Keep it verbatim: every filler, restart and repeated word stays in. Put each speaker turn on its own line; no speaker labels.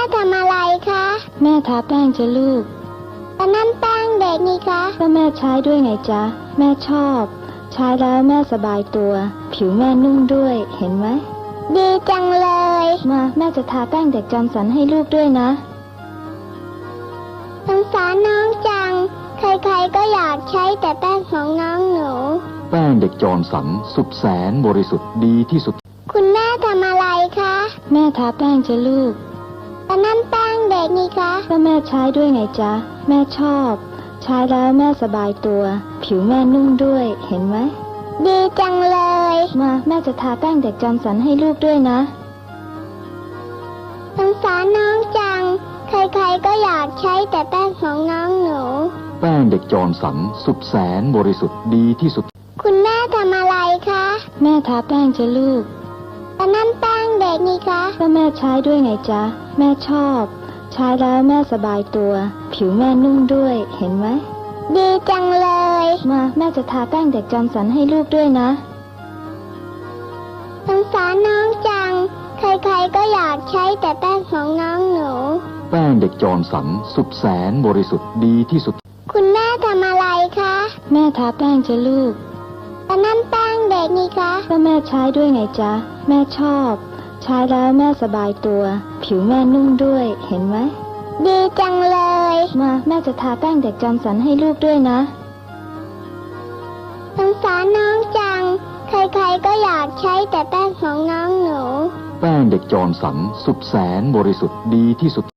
ทำอะไรคะ
แม่ทาแป้งจ้ะลูก
แต่นั่นแป้งเด็กนี่คะ
ก็แม่ใช้ด้วยไงจ๊ะแม่ชอบใช้แล้วแม่สบายตัวผิวแม่นุ่มด้วยเห็นไหม
ดีจังเลย
มาแม่จะทาแป้งเด็กจอมสันให้ลูกด้วยนะ
สงสารน้องจังใครๆก็อยากใช้แต่แป้งของน้องหนู
แป้งเด็กจอมสันสุดแสนบริสุทธิ์ดีที่สุด
คุณแม่ทำอะไรคะ
แม่ทาแป้งจ้ะลูก
แต่นั่นแป้งเด็กนี่คะ
ก็แม่ใช้ด้วยไงจ๊ะแม่ชอบใช้แล้วแม่สบายตัวผิวแม่นุ่มด้วยเห็นไหม
ดีจังเลย
มาแม่จะทาแป้งเด็กจอมสันให้ลูกด้วยนะ
สงสารน้องจังใครๆก็อยากใช้แต่แป้งของน้องหนู
แป้งเด็กจอมสันสุดแสนบริสุทธิ์ดีที่สุด
คุณแม่ทำอะไรคะ
แม่ทาแป้งจ้ะลูก
แต่นั่นแป้งเด็กนี่คะ
ก็แม่ใช้ด้วยไงจ๊ะแม่ชอบใช้แล้วแม่สบายตัวผิวแม่นุ่มด้วยเห็นไหม
ดีจังเลย
มาแม่จะทาแป้งเด็กจอมสันให้ลูกด้วยนะ
สงสารน้องจังใครๆก็อยากใช้แต่แป้งของน้องหนู
แป้งเด็กจอมสันสุดแสนบริสุทธิ์ดีที่สุด
คุณแม่ทำอะไรคะ
แม่ทาแป้งจ้ะลูก
แต่นั่นแป้งเด็กนี่คะ
ก็แม่ใช้ด้วยไงจ๊ะแม่ชอบใช้แล้วแม่สบายตัวผิวแม่นุ่มด้วยเห็นไหม
ดีจังเลย
มาแม่จะทาแป้งเด็กจอมสันให้ลูกด้วยนะ
สงสารน้องจังใครๆก็อยากใช้แต่แป้งของน้องหนู
แป้งเด็กจอมสันสุดแสนบริสุทธิ์ดีที่สุด